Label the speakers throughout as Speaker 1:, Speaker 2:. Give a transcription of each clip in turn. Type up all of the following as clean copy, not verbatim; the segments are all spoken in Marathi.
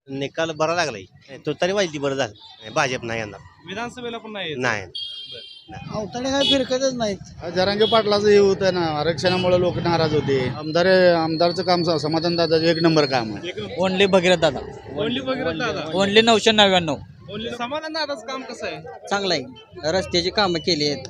Speaker 1: निकाल बरा लागलाय. तो तरी वाजली बरं झालं. भाजप नाही येणार.
Speaker 2: विधानसभेला पण नाही येत.
Speaker 1: नाही.
Speaker 3: अवताडे काय फिरकतच नाहीत.
Speaker 4: जरांगे पाटलाचं हे होतं ना, आरक्षणामुळे लोक नाराज होते. आमदारचं काम समाधान दादाचं एक नंबर काम आहे.
Speaker 3: ओनली भगीरथ दादा,
Speaker 2: ओनली भगीरथ दादा.
Speaker 3: ओनली 999.
Speaker 2: ओनली समाधान दादाचं काम कसं आहे?
Speaker 3: चांगलं आहे. रस्त्याची कामं केली आहेत.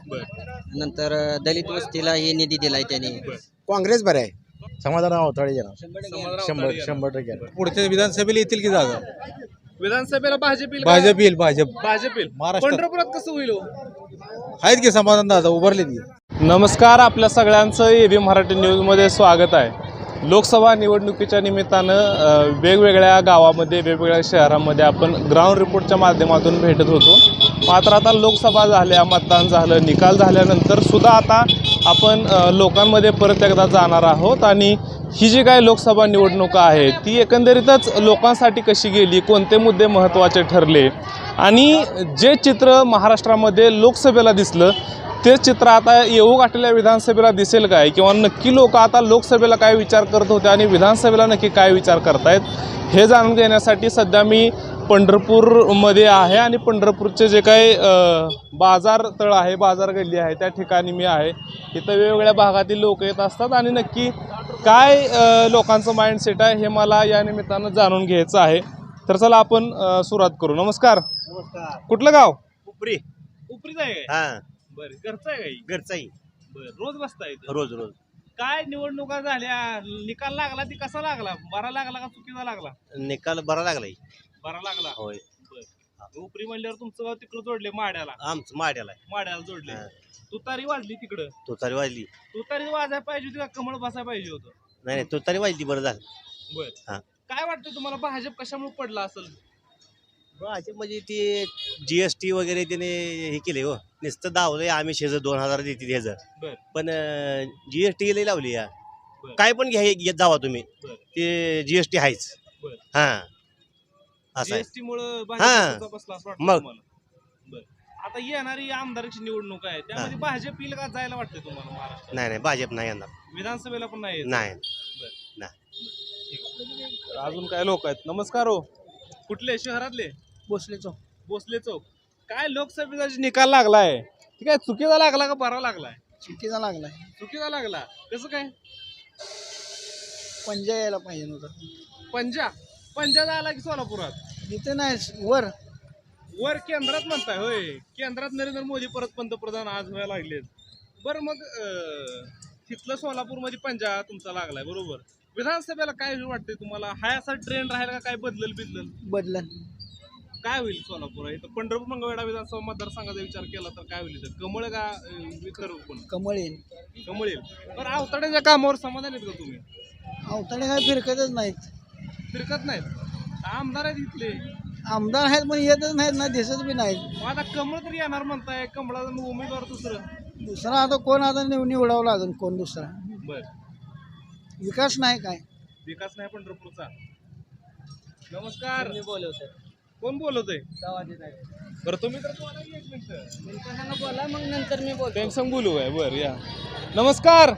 Speaker 3: नंतर दलित वस्तीला हे निधी दिलाय त्याने.
Speaker 5: काँग्रेस बरं आहे. समाधान अवताडे
Speaker 2: समाधान
Speaker 5: 100%
Speaker 6: पुढच्या विधानसभेला येतील की जागा?
Speaker 2: विधानसभेला भाजप येईल का?
Speaker 6: भाजप येईल. भाजप
Speaker 2: भाजप येईल.
Speaker 6: महाराष्ट्रात.
Speaker 2: पंढरपुरात कसं होईल हो?
Speaker 6: आहेत की समाधान दादा उभारले की.
Speaker 2: नमस्कार, आपल्या सगळ्यांचं एबी मराठी न्यूजमध्ये स्वागत आहे. लोकसभा निवडणुकीच्या निमित्तानं वेगवेगळ्या गावामध्ये वेगवेगळ्या शहरांमध्ये आपण ग्राउंड रिपोर्टच्या माध्यमातून भेटत होतो. मात्र आता लोकसभा झाल्या, मतदान झालं, निकाल झाल्यानंतर सुद्धा आता आपण लोकांमध्ये परत एकदा जाणार आहोत आणि ही जी काय लोकसभा निवडणूक आहे ती एकंदरीतच लोकांसाठी कशी गेली, कोणते मुद्दे महत्त्वाचे ठरले आणि जे चित्र महाराष्ट्रामध्ये लोकसभेला दिसलं तेच चित्र आता येऊ गाठलेल्या विधानसभेला दिसेल काय, किंवा नक्की लोक आता लोकसभेला काय विचार करत होते आणि विधानसभेला नक्की काय विचार करतायत हे जाणून घेण्यासाठी सध्या मी पंढरपूरमध्ये आहे आणि पंढरपूरचे जे काही बाजार तळ आहे, बाजार गल्ली आहे त्या ठिकाणी मी आहे. इथं वेगवेगळ्या भागातील लोक येत असतात आणि नक्की काय लोकांचं माइंडसेट आहे हे मला या निमित्तानं जाणून घ्यायचं आहे. तर चला आपण सुरुवात करू. नमस्कार. कुठलं गाव?
Speaker 1: उपरी.
Speaker 2: उपरीच आहे काय?
Speaker 1: हा,
Speaker 2: बरं, घरचं आहे काही?
Speaker 1: घरचाही.
Speaker 2: बरं, रोज बसताय इथं?
Speaker 1: रोज रोज.
Speaker 2: काय निवडणुका झाल्या, निकाल लागला ती कसा लागला? बरा लागला का चुकीचा लागला?
Speaker 1: निकाल बरा लागलाय.
Speaker 2: बरा लागला.
Speaker 1: होय.
Speaker 2: उपरी म्हणल्यावर तुमचं गाव तिकडं जोडले माड्याला.
Speaker 1: आमचं माड्याला आहे.
Speaker 2: माड्याला जोडले.
Speaker 1: हा.
Speaker 2: तुतारी वाजली तिकडं.
Speaker 1: तो तरी वाजली.
Speaker 2: तुतारी वाजायला पाहिजे होती का कमळ बसायला पाहिजे होतं?
Speaker 1: नाही, तो तरी वाजली बरं झालं.
Speaker 2: बर.
Speaker 1: हा.
Speaker 2: काय वाटतं तुम्हाला भाजप कशामुळे पडला असेल?
Speaker 1: भाजप म्हणजे ते GST वगैरे त्याने हे केले हो. नुसतं दावलंय आम्ही 2000 देते ह्याचं.
Speaker 2: बर.
Speaker 1: पण GST लई लावली या.
Speaker 2: बर.
Speaker 1: काय पण घ्या घेत जावा तुम्ही,
Speaker 2: बर.
Speaker 1: ते GST आहेच.
Speaker 2: बर.
Speaker 1: हा, असं आहे.
Speaker 2: जीएसटी मुळे
Speaker 1: हा.
Speaker 2: भाजप बसला असं वाटतं
Speaker 1: मग.
Speaker 2: तुम्हाला? बर. आता येणारी आमदाराची निवडणूक आहे त्यामध्ये भाजप येईल का जायला वाटतं तुम्हाला महाराष्ट्रात?
Speaker 1: नाही नाही, भाजप नाही येणार.
Speaker 2: विधानसभेला पण नाही येत?
Speaker 1: नाही.
Speaker 2: बर.
Speaker 1: नाही.
Speaker 2: ठीक आहे. अजून काय लोक आहेत? नमस्कार हो. कुठले? शहरातले?
Speaker 3: भोसले चौक.
Speaker 2: भोसले चौक. काय लोकसभेचा जे निकाल लागलाय ठीक आहे, चुकीचा लागला का बरा लागलाय?
Speaker 3: चिठ्ठीचा लागलाय.
Speaker 2: चुकीचा लागला. कसं काय?
Speaker 3: पंजा यायला पाहिजे नव्हता.
Speaker 2: पंजा झाला की सोलापुरात?
Speaker 3: इथे नाही, वर
Speaker 2: वर केंद्रात म्हणताय होय? केंद्रात नरेंद्र मोदी परत पंतप्रधान आज व्हायला लागलेत. बरं, मग तिथलं सोलापूरमध्ये पंजा तुमचा लागलाय बरोबर. विधानसभेला काय वाटतंय तुम्हाला? हा असा ट्रेंड राहील का? काय बदलल?
Speaker 3: बदलन.
Speaker 2: काय होईल सोलापूर? इथं पंढरपूर मंगळवेढा विधानसभा मतदारसंघाचा विचार केला तर काय होईल इथं? कमळ का विकर कोण?
Speaker 3: कमळ येईल.
Speaker 2: कमळ येईल. बरं, आवताड्याच्या कामावर समाधान आहेत का तुम्ही?
Speaker 3: अवताडे काय फिरकतच नाहीत.
Speaker 2: फिरकत नाहीत? आमदार आहेत इथले.
Speaker 3: आमदार आहेत पण येतच नाहीत ना, दिसत बी नाहीत.
Speaker 2: मग आता कमळ तरी येणार म्हणताय. कमळाचा उमेदवार
Speaker 3: दुसरा आता कोण आता निवडावं अजून कोण दुसरा.
Speaker 2: बर.
Speaker 3: विकास नाही काय.
Speaker 2: विकास नाही पंढरपूरचा. नमस्कार.
Speaker 3: बोलवतोय.
Speaker 2: कोण बोलवतोय? बरं, तुम्ही तर बोला की एक मिनिट.
Speaker 3: बोला मग नंतर मी बोलतो.
Speaker 2: टेन्शन बोलू आहे. बरं, या. नमस्कार.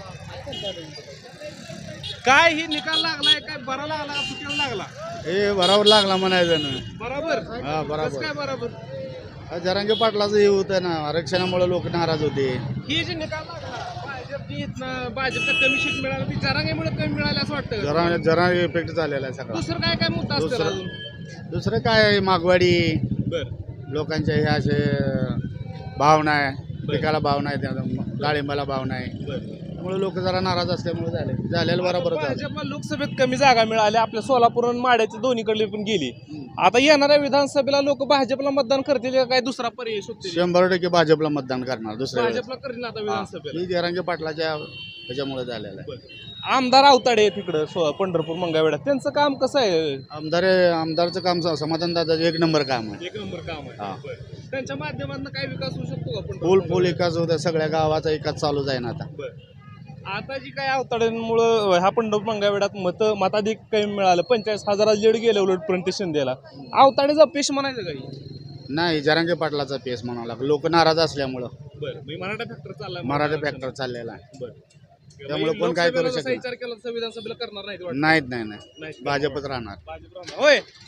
Speaker 2: काय ही निकाल लागलाय? काय बरा लागला का चुकीला लागला?
Speaker 4: हे बराबर लागला म्हणायचं ना.
Speaker 2: बरोबर.
Speaker 4: हा, बरोबर.
Speaker 2: कसं काय बरोबर?
Speaker 4: जरांगे पाटलाचं हे होतं ना, आरक्षणामुळे लोक नाराज होते.
Speaker 2: ही जी निकाल लागला भाजपचा कमी सीट मिळाला ती जरांगेमुळे कमी मिळाली असं वाटतं?
Speaker 4: जरा इफेक्ट झालेला आहे सगळा.
Speaker 2: दुसरं काय काय मुद्दा असतो अजून?
Speaker 4: दुसरं काय, मागवाडी,
Speaker 2: बर.
Speaker 4: लोकांच्या हे असे भावना आहे, पिकाला भाव नाही, डाळिंबाला भाव नाही, त्यामुळे लोक जरा नाराज असल्यामुळे झालेलं बरोबर झालं.
Speaker 2: भाजपला लोकसभेत कमी जागा मिळाल्या, आपल्या सोलापूर आणि माड्याच्या दोन्हीकडे पण गेली. आता येणाऱ्या विधानसभेला लोक भाजपला मतदान करतील का काय दुसरा पर्याय शोधतील?
Speaker 4: 100% भाजपला मतदान करणार. दुसऱ्या
Speaker 2: भाजपला करीन आता विधानसभेला.
Speaker 4: ही जरांगे पाटलाच्या ह्याच्यामुळे झालेलं आहे.
Speaker 2: आमदार आवताडे तिकडं पंढरपूर मंगळवेढा, त्यांचं काम कसं आहे?
Speaker 4: आमदारचं काम समाधान दादाचं एक नंबर काम आहे.
Speaker 2: एक नंबर काम
Speaker 4: हा.
Speaker 2: आहे. त्यांच्या माध्यमातून काय विकास होऊ शकतो का?
Speaker 4: फुल एकाच होत्या, सगळ्या गावाचा एकाच चालू जाईन आता.
Speaker 2: आता जी काय अवताड्यांमुळं हा पंढरपूर मंगळवेढ्यात मताधिक कमी मिळालं, 45,000 लीड गेले उलट प्रणिती शिंदेला. अवताडेचा पेश म्हणायचं काही?
Speaker 4: नाही, जरांगे पाटलाचा पेस म्हणावं लागला. लोक नाराज असल्यामुळं
Speaker 2: बरं, मराठा फॅक्टर चाललाय.
Speaker 4: मराठा फॅक्टर चाललेला आहे.
Speaker 2: बरं.
Speaker 4: त्यामुळे कोण काय करू
Speaker 2: लोकसभेला जसा
Speaker 4: शकत
Speaker 2: विचार केला तसं विधानसभेला करणार नाहीत वाटतं?
Speaker 4: नाहीत.
Speaker 2: नाही.
Speaker 4: भाजपच राहणार.
Speaker 2: भाजप राहणार. होय,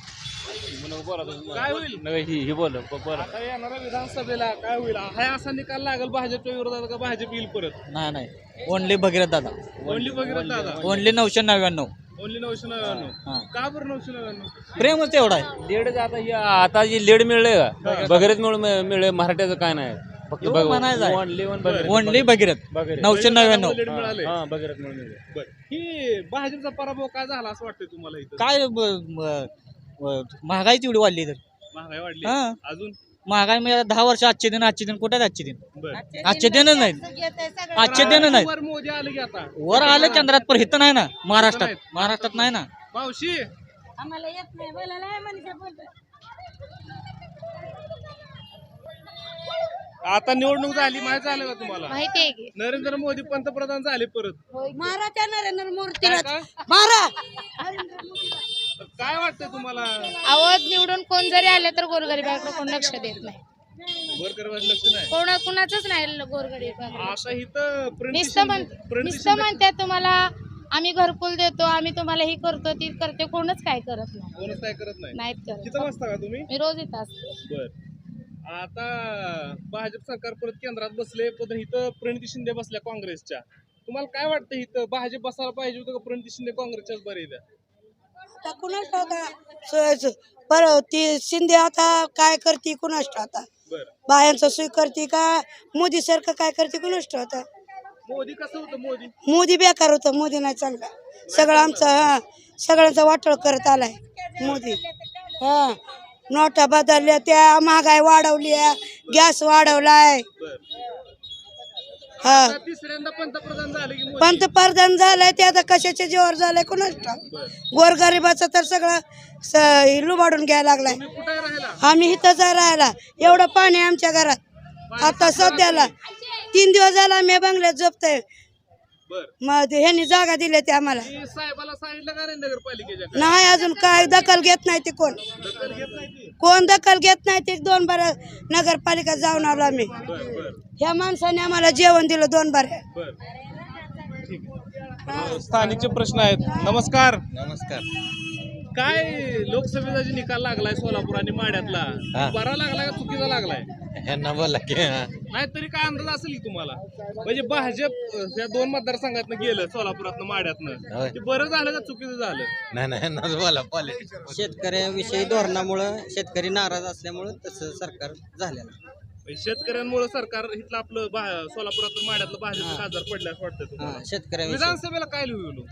Speaker 2: काय होईल आता येणाऱ्या विधानसभेला काय होईल हा असा निकाल लागेल भाजपच्या विरोधात का भाजप येईल परत?
Speaker 3: नाही ओनली भगीरथ दादा,
Speaker 2: ओनली भगीरथ दादा,
Speaker 3: ओनली 999.
Speaker 2: ओनली 999. का बरं 999?
Speaker 3: प्रेमच तेवढा आहे.
Speaker 7: लीड आता जी लीड मिळले का बगैरेच मिळले मराठ्याचं काय नाही फक्त
Speaker 3: एवढं म्हणायचं आहे.
Speaker 7: Only
Speaker 3: only Bhagirath 999.
Speaker 2: लीड मिळाले.
Speaker 7: बगैरेच मिळून
Speaker 2: बरं. ही भाजपचा पराभव काय झाला असं वाटतंय तुम्हाला इथं?
Speaker 3: काय महागाई तेवढी वाढली तर
Speaker 2: महागाई वाढली
Speaker 3: हा.
Speaker 2: अजून?
Speaker 3: महागाई म्हणजे 10 वर्ष आजचे दिन कुठे आहेत आजचे दिन?
Speaker 2: बरं.
Speaker 3: आजचे दिनच नाहीत. आजचे दिन नाहीत.
Speaker 2: वर मोदी आले की आता
Speaker 3: वर आलं केंद्रात पण हित नाही ना महाराष्ट्रात.
Speaker 2: नाहीत.
Speaker 3: महाराष्ट्रात नाही ना.
Speaker 2: मावशी
Speaker 8: आम्हाला येत नाही बोलायला आहे मनीषा बोलतोय.
Speaker 2: आता निवडणूक झाली माहिती झालं का तुम्हाला?
Speaker 8: माहिती आहे की
Speaker 2: नरेंद्र मोदी पंतप्रधान झाले परत.
Speaker 8: मारा त्या नरेंद्र मूर्तीला
Speaker 2: काय?
Speaker 8: मारा.
Speaker 2: काय वाटतंय तुम्हाला?
Speaker 8: आवाज निवडून कोण जरी आले तर गोरगरिबाकडे कोण लक्ष देत नाही.
Speaker 2: गोरगरिबाचं लक्ष नाही.
Speaker 8: कुणाचंच नाही गोरगरिबाकडे.
Speaker 2: आता इथं
Speaker 8: नुसतं म्हणते तुम्हाला आम्ही घरकुल देतो, आम्ही तुम्हाला ही करतो ती करते, कोणच काय करत नाही.
Speaker 2: कोणच काय करत नाही.
Speaker 8: नाहीत करत.
Speaker 2: किती वाजता का तुम्ही?
Speaker 8: मी रोज येत असते.
Speaker 2: बर. आता भाजप सरकार परत केंद्रात बसले पण इथं प्रणिती शिंदे बसल्या काँग्रेसच्या. तुम्हाला काय वाटतं इथं भाजप बसायला पाहिजे होतं का प्रणिती शिंदे काँग्रेसच्याच बरे इथं?
Speaker 9: आता कुणाच ठाऊका पर ती शिंदे आता काय करते कुणाच ठाऊका.
Speaker 2: बर.
Speaker 9: बायांचं सोय करते का मोदी सारखं काय करते कुणाच ठाऊका.
Speaker 2: मोदी कसं होतं?
Speaker 9: मोदी बेकार होतं. मोदी नाही चांगला. सगळं आमचं सगळ्यांचा वाटोळ करत आलाय मोदी. हा नोटा बदलल्या, त्या महागाई वाढवली, गॅस वाढवलाय. हा
Speaker 2: आता तिसऱ्यांदा पंतप्रधान झाले की मोदी.
Speaker 9: पंतप्रधान झालाय ते आता कशाच्या जीवावर झालंय कुणाच ठाऊक. गोरगरिबाचं तर सगळं लुबाडून घ्यायला लागलाय.
Speaker 2: तुम्ही कुठे राहिला?
Speaker 9: आम्ही इथंच राहायला. एवढं पाणी आहे आमच्या घरात. आता सध्याला 3 दिवस झाला आम्ही बंगल्यात झोपतोय.
Speaker 2: बर.
Speaker 9: मग ह्यांनी जागा दिल्या ते आम्हाला.
Speaker 2: मी साहेबाला सांगितलं का नाही नगरपालिकेच्या?
Speaker 9: नाही अजून काय दखल घेत नाही ते कोण.
Speaker 2: दखल घेत नाही ती?
Speaker 9: कोण दखल घेत नाही ते. 2 बार नगरपालिका जाऊन आलो आम्ही.
Speaker 2: बर बर
Speaker 9: ह्या माणसाने आम्हाला जेवण दिलं 2 बार.
Speaker 2: बर. स्थानिकचे प्रश्न आहेत. नमस्कार.
Speaker 5: नमस्कार.
Speaker 2: काय लोकसभेचा जे निकाल लागलाय सोलापूर आणि माड्यातला बरा लागलाय का चुकीचा लागलाय?
Speaker 5: ह्यांना बोला की
Speaker 2: नाही तरी काय अंदाज असेल की तुम्हाला? म्हणजे भाजप या 2 मतदारसंघातनं गेलं सोलापुरातनं माड्यातनं ते बरं झालं का चुकीचं झालं?
Speaker 5: नाही ह्यांनाच बोला पॉलिटिक्स.
Speaker 3: शेतकऱ्याविषयी धोरणामुळं शेतकरी नाराज असल्यामुळं तसं सरकार झालेलं.
Speaker 2: म्हणजे शेतकऱ्यांमुळे सरकार इथलं आपलं सोलापुरातलं माड्यातलं भाजप खासदार पडलं असं वाटतं तुम्हाला?
Speaker 3: शेतकऱ्याविषयी
Speaker 2: विधानसभेला काय लिहिलो?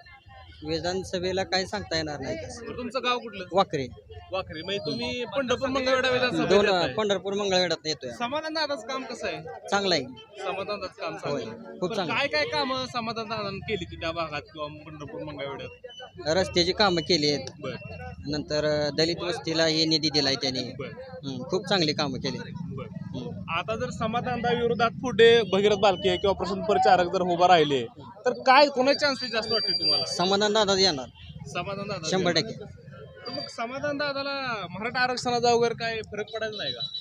Speaker 3: विधानसभेला काय सांगता येणार नाही.
Speaker 2: तुमचं गाव कुठलं?
Speaker 3: वाकरे
Speaker 2: वाखरी. म्हणजे तुम्ही पंढरपूर मंगळवेढा विधानसभा देताय.
Speaker 3: पंढरपूर मंगळवेढ्यात येतोय.
Speaker 2: समाधान दादाचं काम कसं आहे?
Speaker 3: चांगला आहे.
Speaker 2: समाधान दादाचं काम चांगलं आहे.
Speaker 3: खूप
Speaker 2: पण
Speaker 3: चांगलं.
Speaker 2: काय काय कामं समाधान दादानं केली की त्या भागात किंवा पंढरपूर मंगळवेढ्यात?
Speaker 3: रस्त्याची कामं केली आहेत.
Speaker 2: बर
Speaker 3: नंतर दलित वस्तीला हे निधी दिलाय त्याने.
Speaker 2: बर
Speaker 3: खूप चांगली कामं केली.
Speaker 2: बर. आता जर समाधान दादा विरोधात पुढे भगीरथ बालके किंवा प्रसून परिचारक जर उभा राहिले तर काय कोणाचे चान्सेस जास्त वाटते तुम्हाला?
Speaker 3: समाधान दादा येणार
Speaker 2: समाधान दादा
Speaker 3: 100%.
Speaker 2: तर मग समाधान दादाला मराठा आरक्षणाचा वगैरे काय फरक पडायचा नाही का?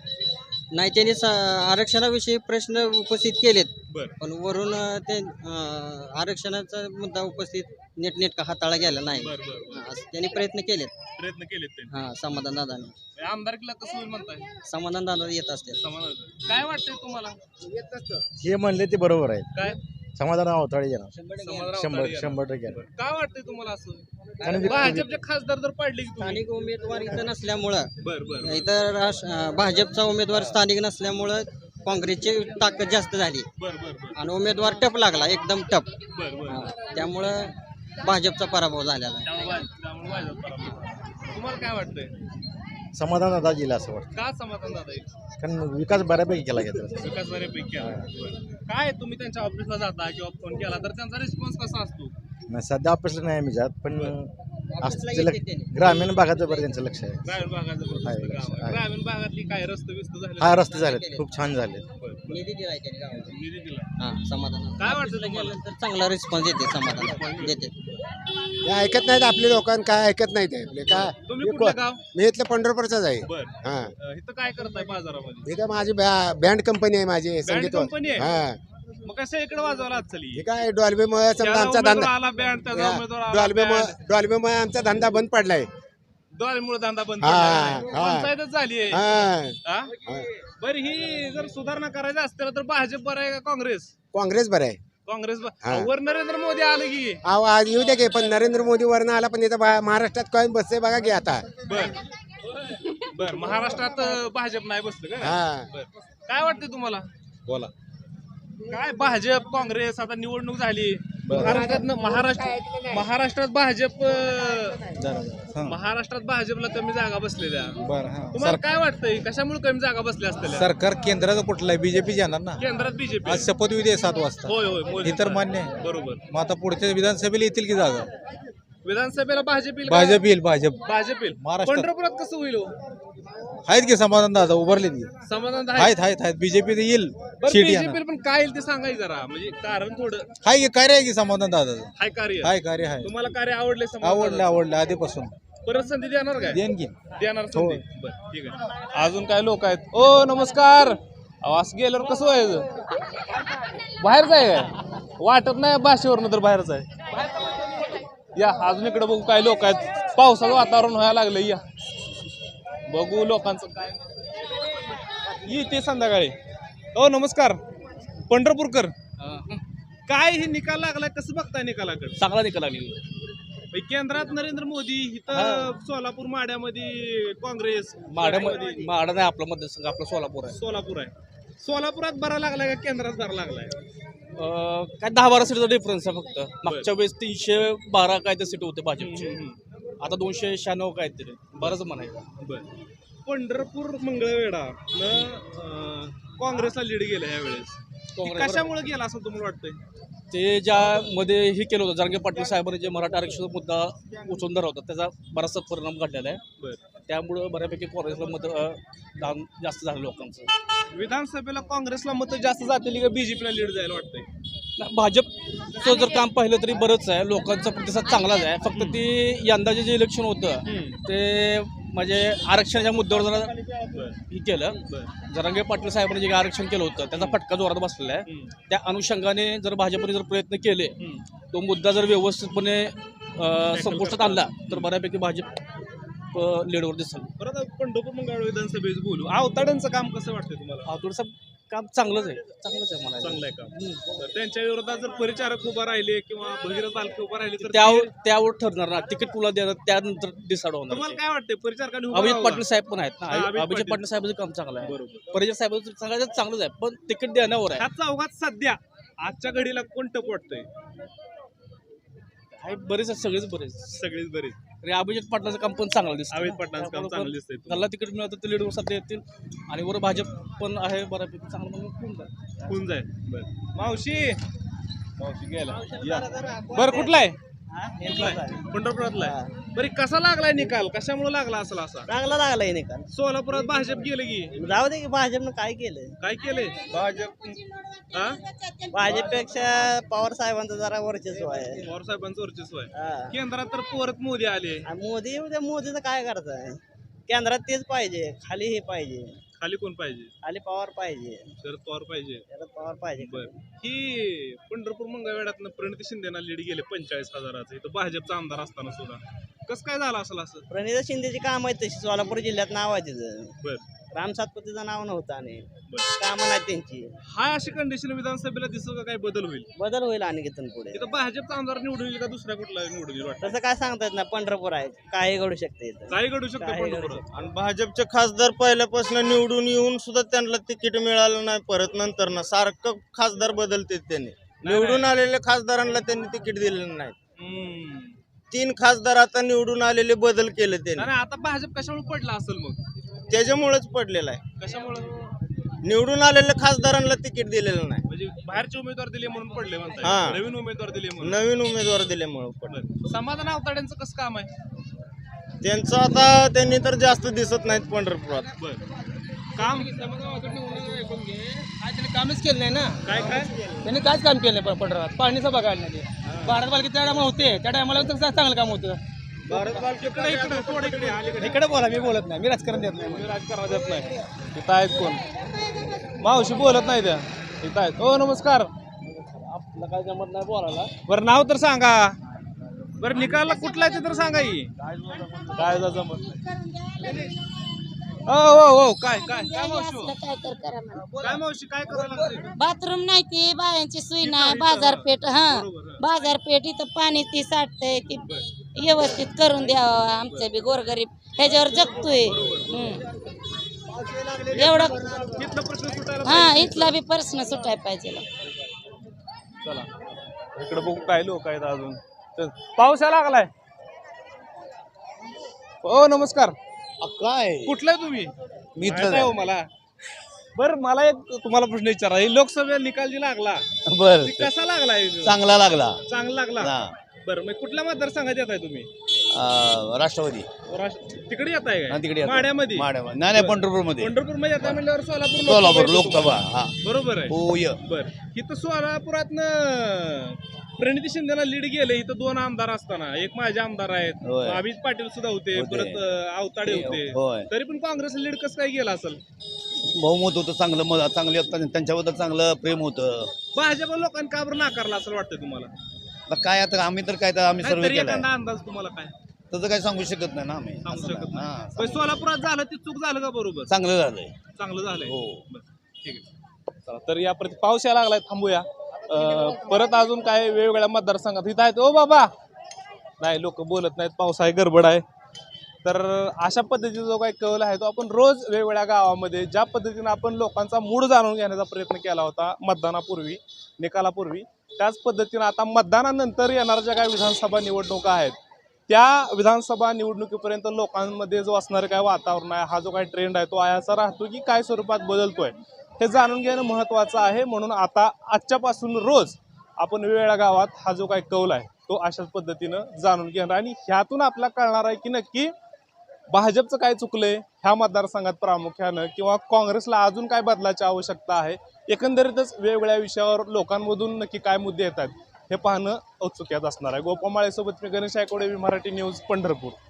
Speaker 3: नाही त्यांनी आरक्षणाविषयी प्रश्न उपस्थित केलेत.
Speaker 2: बर.
Speaker 3: पण वरून ते आरक्षणाचा मुद्दा उपस्थित नीटनेटका हाताळा गेला नाही.
Speaker 2: बर बर.
Speaker 3: असं त्यांनी प्रयत्न केलेत.
Speaker 2: प्रयत्न केलेत त्यांनी.
Speaker 3: हा समाधान दादाने.
Speaker 2: आमदारकीला कसं होईल म्हणताय?
Speaker 3: समाधान दादा येत असते.
Speaker 2: समाधान काय वाटतंय तुम्हाला?
Speaker 5: हे म्हणले ते बरोबर आहे.
Speaker 2: काय
Speaker 5: समाधान अवताळे येणार.
Speaker 2: समाधान
Speaker 5: 100%
Speaker 2: काय वाटतंय तुम्हाला असं?
Speaker 5: कारण
Speaker 2: भाजपचे खासदार जर पडले की तुम्ही?
Speaker 3: स्थानिक उमेदवार इथं नसल्यामुळं
Speaker 2: बर बर
Speaker 3: इथं भाजपचा उमेदवार स्थानिक नसल्यामुळं काँग्रेसची ताकद जास्त झाली
Speaker 2: बर बर बर
Speaker 3: आणि उमेदवार टप लागला एकदम टप.
Speaker 2: बर बर.
Speaker 3: त्यामुळं भाजपचा पराभव झालेला आहे.
Speaker 2: त्यामुळे भाजप पराभव. तुम्हाला काय वाटतंय?
Speaker 5: समाधान दादा जिल्हा असं वाटतं.
Speaker 2: का समाधान दादा येईल?
Speaker 5: कारण विकास बऱ्यापैकी केला गेला.
Speaker 2: विकास बऱ्यापैकी आहे. बरं. काय तुम्ही त्यांच्या ऑफिसला जाता किंवा फोन केला तर त्यांचा रिस्पॉन्स कसा असतो?
Speaker 5: नाही सध्या ऑफिसला नाही आम्ही जात पण
Speaker 3: ऑफिसला
Speaker 5: असं
Speaker 3: येते त्यांनी.
Speaker 5: ग्रामीण भागाचं बरं त्यांचं लक्ष आहे.
Speaker 2: ग्रामीण भागाचं
Speaker 5: आहे,
Speaker 2: गाव
Speaker 5: आहे.
Speaker 2: ग्रामीण भागातली काय रस्ते बिस्त झाले?
Speaker 5: हा रस्ते झालेत खूप छान झाले.
Speaker 3: निधी दिलाय त्यांनी गावाला.
Speaker 2: निधी दिला.
Speaker 3: हा समाधान.
Speaker 2: काय वाटतं तुम्हाला?
Speaker 3: तर चांगला रिस्पॉन्स देते समाधान देते.
Speaker 10: हे ऐकत नाहीत आपले लोकांना. काय ऐकत नाहीत हे आपले काय.
Speaker 2: तुम्ही कुठलं गाव?
Speaker 10: मी इथलं पंढरपूरचाच आहे.
Speaker 2: बर.
Speaker 10: हा
Speaker 2: इथं काय करताय बाजारामध्ये?
Speaker 10: हे काय माझी बँड कंपनी आहे माझी संगीत
Speaker 2: कंपनी आहे?
Speaker 10: हा
Speaker 2: मग कसं इकडे वाजवला आज चली?
Speaker 10: हे काय डॉल्बीमुळे समजा आमचा धंदा
Speaker 2: आला बँड त्याचा उमेदवार आला band.
Speaker 10: डॉल्बीमुळे आमचा धंदा बंद पडलाय.
Speaker 2: डॉलरमुळे धंदा बंद
Speaker 10: हा,
Speaker 2: पडला.
Speaker 10: हा.
Speaker 2: पंचायतच झाली आहे.
Speaker 10: हा.
Speaker 2: हा? बरं ही जर सुधारणा करायची असतील तर भाजप बरं आहे का काँग्रेस?
Speaker 10: काँग्रेस बरं आहे.
Speaker 2: काँग्रेस
Speaker 10: हा.
Speaker 2: वर नरेंद्र मोदी आले की
Speaker 10: अहो, आज येऊ द्या की पण नरेंद्र मोदी वरनं आला पण इथं महाराष्ट्रात काय बसते बघा की आता.
Speaker 2: बर महाराष्ट्रात भाजप नाही बसलं का?
Speaker 10: हा.
Speaker 2: बर काय वाटतं तुम्हाला?
Speaker 6: बोला.
Speaker 2: काय भाजप काँग्रेस आता निवडणूक झाली महाराष्ट्रात भाजप महाराष्ट्रात भाजपला कमी जागा बसलेल्या.
Speaker 6: बरं हा.
Speaker 2: तुम्हाला काय वाटतंय कशामुळे कमी जागा बसल्या असतील?
Speaker 6: सरकार केंद्राचं कुठलं आहे? बीजेपी येणार ना.
Speaker 2: केंद्रात बीजेपी.
Speaker 6: आज शपथविधी आहे 7 वाजता.
Speaker 2: होय होय मोदी
Speaker 6: हे तर
Speaker 2: सरकार.
Speaker 6: मान्य आहे.
Speaker 2: बरोबर.
Speaker 6: मग आता पुढच्या विधानसभेला येतील की जागा?
Speaker 2: विधानसभेला भाजप येईल का?
Speaker 6: भाजप येईल. भाजप
Speaker 2: भाजप येईल.
Speaker 6: महाराष्ट्रात.
Speaker 2: पंढरपुरात कसं होईल हो?
Speaker 6: आहेत की समाधान दादा उभारले की
Speaker 2: समाधान
Speaker 6: आहेत बीजेपी येईल. सीट येणार.
Speaker 2: बीजेपी पण काय येईल ते सांगायचं जरा म्हणजे कारण थोडं
Speaker 6: हाय की कार्य आहे की समाधान दादा.
Speaker 2: हाय कार्य.
Speaker 6: हाय कार्य आहे.
Speaker 2: तुम्हाला कार्य आवडले? समाधान?
Speaker 6: आवडलं आधीपासून.
Speaker 2: परत संधी देणार काय?
Speaker 6: देईन की.
Speaker 2: देणार संधी. बरं ठीक आहे. अजून काय लोक आहेत? ओ नमस्कार. असं गेल्यावर कसं व्हायचं? बाहेर जाय काय वाटत नाही भाषेवरनं तर बाहेरच आहे. या अजून इकडे बघू काय लोक आहेत. पावसाचं वातावरण व्हायला लागलं. या बघू लोकांचं काय येते संध्याकाळी. ओ नमस्कार. पंढरपूरकर काय हे निकाल लागलाय कसं बघताय निकालाकडे?
Speaker 7: चांगला निकाल लागली.
Speaker 2: केंद्रात नरेंद्र मोदी इथं सोलापूर माड्यामध्ये काँग्रेस.
Speaker 7: माडा नाही आपला मतदारसंघ आपला सोलापूर आहे.
Speaker 2: सोलापूर आहे. सोलापुरात बरा लागलाय का केंद्रात बरा लागलाय?
Speaker 7: काय 10-12 सीटचा डिफरन्स आहे फक्त. मागच्या वेळेस 312 काय तर सीट होते भाजपचे. आता 296 काय तरी बरंच म्हणायचं.
Speaker 2: बर पंढरपूर मंगळवेढा काँग्रेसला लीड गेला यावेळेस. कशामुळे गेला असं तुम्हाला वाटतंय?
Speaker 7: ते ज्यामध्ये हे केलं होतं जरांगे पाटील साहेबांनी जे मराठा आरक्षणाचा मुद्दा उचलून धरला होता त्याचा बराचसा परिणाम घडलेला आहे. त्यामुळं बऱ्यापैकी काँग्रेसला मत दान जास्त झालं लोकांचं.
Speaker 2: विधानसभेला काँग्रेसला मत जास्त जातील का बीजेपीला लीड जायला वाटतंय?
Speaker 7: भाजपचं जर काम पाहिलं तरी बरंच आहे. लोकांचा प्रतिसाद चांगलाच आहे. फक्त ती यंदाचे जे इलेक्शन होतं ते म्हणजे आरक्षणाच्या मुद्द्यावर जरा हे केलं. जरांगे पाटील साहेबांनी जे आरक्षण केलं होतं त्याचा फटका जोरात बसलेला आहे. त्या अनुषंगाने जर भाजपने जर प्रयत्न केले तो मुद्दा जर व्यवस्थितपणे संपुष्टात आणला तर बऱ्यापैकी भाजप लीडवर दिसेल.
Speaker 2: परत पंढरपूर मंगळवेढा विधानसभेचं बोलू. आवताड्यांचं काम कसं वाटतंय तुम्हाला?
Speaker 7: आवताडचं काम चांगलंच आहे मला.
Speaker 2: चांगलं आहे काम. तर त्यांच्या विरोधात जर परिचारक उभा राहिले किंवा भगीरथ बालके उभा राहिले तर
Speaker 7: त्यावर ठरणार ना. तिकीट तुला देणार त्यानंतर डिसाईड होणार.
Speaker 2: तुम्हाला काय वाटतंय परिचारकांनी?
Speaker 7: अभिजित पाटील साहेब पण आहेत ना. अभिजित पाटील साहेबांचं काम चांगलं आहे.
Speaker 2: बरोबर.
Speaker 7: परिचारक साहेबांचं सगळ्यात चांगलंच आहे पण तिकीट देण्यावर आहे.
Speaker 2: ह्या चौघात सध्या आजच्या घडीला कोण टप वाटतंय?
Speaker 7: बरेच सगळेच बरेच
Speaker 2: सगळेच बरेच.
Speaker 7: अभिजित पाटलाचं काम पण चांगलं दिसतं.
Speaker 2: अभिजित पाटलांचं काम चांगलं दिसतंय.
Speaker 7: त्याला तिकीट मिळालं तर ते लीडवर सध्या येतील आणि वर भाजप पण आहे बऱ्यापैकी चांगलं
Speaker 2: होऊन जाईल. मावशी गेला. बरं कुठला आहे? पंढरपुरातला आहे. बरं कसा लागलाय निकाल? कशामुळे लागला असेल असा?
Speaker 3: चांगला लागलाय निकाल.
Speaker 2: सोलापुरात भाजप गेलं की
Speaker 3: जाऊ दे की भाजपनं काय केलं?
Speaker 2: काय केलंय भाजप?
Speaker 3: भाजपपेक्षा पवार साहेबांचं जरा वर्चस्व आहे.
Speaker 2: पवार साहेबांचं वर्चस्व आहे.
Speaker 3: हा.
Speaker 2: केंद्रात तर परत मोदी आले.
Speaker 3: मोदी उद्या मोदीचं काय करताय? केंद्रात तेच पाहिजे, खाली हे पाहिजे.
Speaker 2: खाली कोण पाहिजे?
Speaker 3: खाली पवार पाहिजे.
Speaker 2: शरद पवार पाहिजे.
Speaker 3: शरद पवार पाहिजे.
Speaker 2: बरं ही पंढरपूर मंगळवेढ्यातनं प्रणिती शिंदेना लीड गेले 45,000. इथं भाजपचा आमदार असताना सुद्धा कसं काय झालं असेल असं?
Speaker 3: प्रणिता शिंदेची काम आहेत तशी. सोलापूर जिल्ह्यात नाव आहे तिचं.
Speaker 2: बरं
Speaker 3: राम सातपुतेचं नाव नव्हतं आणि
Speaker 2: बरं
Speaker 3: कामं नाही त्यांची.
Speaker 2: हा अशी कंडिशन विधानसभेला दिसत का काय बदल होईल?
Speaker 3: बदल होईल आणि तिथून पुढे.
Speaker 2: इथं भाजपचा आमदार निवडून येईल का दुसऱ्या कुठला निवडून येईल वाटतं?
Speaker 3: तसं काय सांगता येत ना. पंढरपूर आहे काही घडू शकते इथं.
Speaker 2: काही घडू शकतं
Speaker 3: काही घडू
Speaker 2: पंढरपुरात.
Speaker 1: आणि भाजपचे खासदार पहिल्यापासून निवडून येऊन सुद्धा त्यांना तिकीट मिळालं नाही. परत नंतर ना सारखं खासदार बदलते त्यांनी. निवडून आलेल्या खासदारांना त्यांनी तिकीट दिलेलं नाही. 3 खासदार आता निवडून आलेले बदल केले त्यांनी.
Speaker 2: नाही आता भाजप कशामुळे पडला असेल मग?
Speaker 1: त्याच्यामुळेच पडलेला आहे.
Speaker 2: कशामुळे?
Speaker 1: निवडून आलेल्या खासदारांना तिकीट दिलेलं नाही.
Speaker 2: म्हणजे बाहेरचे उमेदवार दिले म्हणून पडले
Speaker 1: हा.
Speaker 2: म्हणतात. नवीन उमेदवार दिले म्हणून.
Speaker 1: नवीन उमेदवार दिल्यामुळे पडले.
Speaker 2: समाधान आवताड्यांचं कसं काम आहे?
Speaker 1: त्यांचं आता त्यांनी तर जास्त दिसत नाहीत पंढरपुरात.
Speaker 2: काम
Speaker 3: कामच केलं नाही ना.
Speaker 2: काय काय
Speaker 3: त्यांनी काहीच काम केलं नाही पंढरपुरात. पाणीचं बघायला नाही. भारत बालकी त्या टायमा होते त्या टायमाला चांगलं काम होतं. इकडे बोला. मी बोलत नाही. मी राजकारण देत नाही.
Speaker 2: राजकारण देत नाही. इथं आहेत कोण? मावशी बोलत नाही त्या. इथं आहेत. ओ नमस्कार.
Speaker 3: आपलं काय जमत नाही बोलायला.
Speaker 2: बरं नाव तर सांगा. बरं निकाल कुठला आहे ते तर सांगा की काय जमत हो काय काय काय मावशी हो? काय मावशी काय करायला लागतंय?
Speaker 9: बाथरूम नाही ती बायांची सोय नाही बाजारपेठ बाजारपेठ इथं पाणी ती साठतंय ती व्यवस्थित करून द्यावं आमचं बी गोरगरीब ह्याच्यावर जगतोय एवढं
Speaker 2: इथला प्रश्न सुटायला
Speaker 9: हा इथला बी प्रश्न सुटायला पाहिजे
Speaker 2: चला इकडे बघू काय लोक आहेत अजून चल, पाऊस यायला लागलाय. हो नमस्कार.
Speaker 5: काय
Speaker 2: कुठला आहे तुम्ही?
Speaker 5: मी
Speaker 2: माहित आहे हो मला. बरं मला एक तुम्हाला प्रश्न विचारा लोकसभा निकाल जी लागला
Speaker 5: बर
Speaker 2: ती कसा लागलाय?
Speaker 5: चांगला लागला
Speaker 2: चांगला लागला. बरं मग कुठल्या मतदारसंघात येत आहे तुम्ही?
Speaker 5: राष्ट्रवादी
Speaker 2: तिकडे येत आहे
Speaker 5: हा, तिकडे येत आहे.
Speaker 2: माड्यामध्ये
Speaker 5: नाही पंढरपूर मध्ये
Speaker 2: पंढरपूर मध्ये येत आहे म्हणल्यावर सोलापूर
Speaker 5: लोकसभा हा
Speaker 2: बरोबर आहे.
Speaker 5: होय
Speaker 2: बर इथं सोलापुरातनं प्रणिती शिंदेला लीड गेले. इथं 2 आमदार असताना एक माझे आमदार आहेत,
Speaker 5: होय.
Speaker 2: अभित पाटील सुद्धा होते, परत आवताडे होते.
Speaker 5: होय
Speaker 2: तरी पण काँग्रेसला लीड कसं काय गेला असेल?
Speaker 5: बहुमत होतं चांगलं चांगले त्यांच्याबद्दल चांगलं प्रेम होतं.
Speaker 2: भाजप लोकांनी का बरं नाकारला असं वाटतं तुम्हाला?
Speaker 5: आता काय आता आम्ही तर काय तर आम्ही
Speaker 2: नाही,
Speaker 5: सर्वे
Speaker 2: तरी
Speaker 5: केलाय
Speaker 2: एखादा अंदाज तुम्हाला काय
Speaker 5: तसं काय सांगू शकत नाही ना आम्ही
Speaker 2: सांगू
Speaker 5: असं
Speaker 2: शकत
Speaker 5: नाही.
Speaker 2: नाही.
Speaker 5: हा,
Speaker 2: पण सोलापुरात झालं ते चूक झालं का बरोबर?
Speaker 5: चांगलं झालंय.
Speaker 2: चांगलं झालंय.
Speaker 5: हो.
Speaker 2: बरं, ठीक आहे. चला, तर या प्रति पाऊस यायला लागलाय थांबूया. परत अजून काय वेगवेगळ्या मतदारसंघात इथं आहेत. ओ बाबा नाही लोक बोलत नाहीत, पाऊस आहे, गडबड आहे. तर अशा पद्धतीचा जो काही कौल आहे तो आपण रोज वेगवेगळ्या गावामध्ये ज्या पद्धतीने आपण लोकांचा मूड जाणून घेण्याचा प्रयत्न केला होता मतदानापूर्वी निकालापूर्वी, त्याच पद्धतीने आता मतदानानंतर येणाऱ्या ज्या काही विधानसभा निवडणुका आहेत त्या विधानसभा निवडणुकीपर्यंत लोकांमध्ये जो असणारं काय वातावरण आहे, हा जो काही ट्रेंड आहे तो आयाचा राहतो की काय स्वरूपात बदलतोय हे जाणून घेणं महत्त्वाचं आहे. म्हणून आता आजच्यापासून रोज आपण वेगवेगळ्या गावात हा जो काही कौल आहे तो अशाच पद्धतीनं जाणून घेणार आणि ह्यातून आपल्याला कळणार आहे की नक्की भाजपचं काय चुकलंय ह्या मतदारसंघात प्रामुख्यानं, किंवा काँग्रेसला अजून काय बदलाची आवश्यकता आहे. एकंदरीतच वेगवेगळ्या विषयावर लोकांमधून नक्की काय मुद्दे येतात हे पाहणं औत्सुक्यात असणार आहे. गोपामाळेसोबत मी गणेश आयकोडे, मराठी न्यूज, पंढरपूर.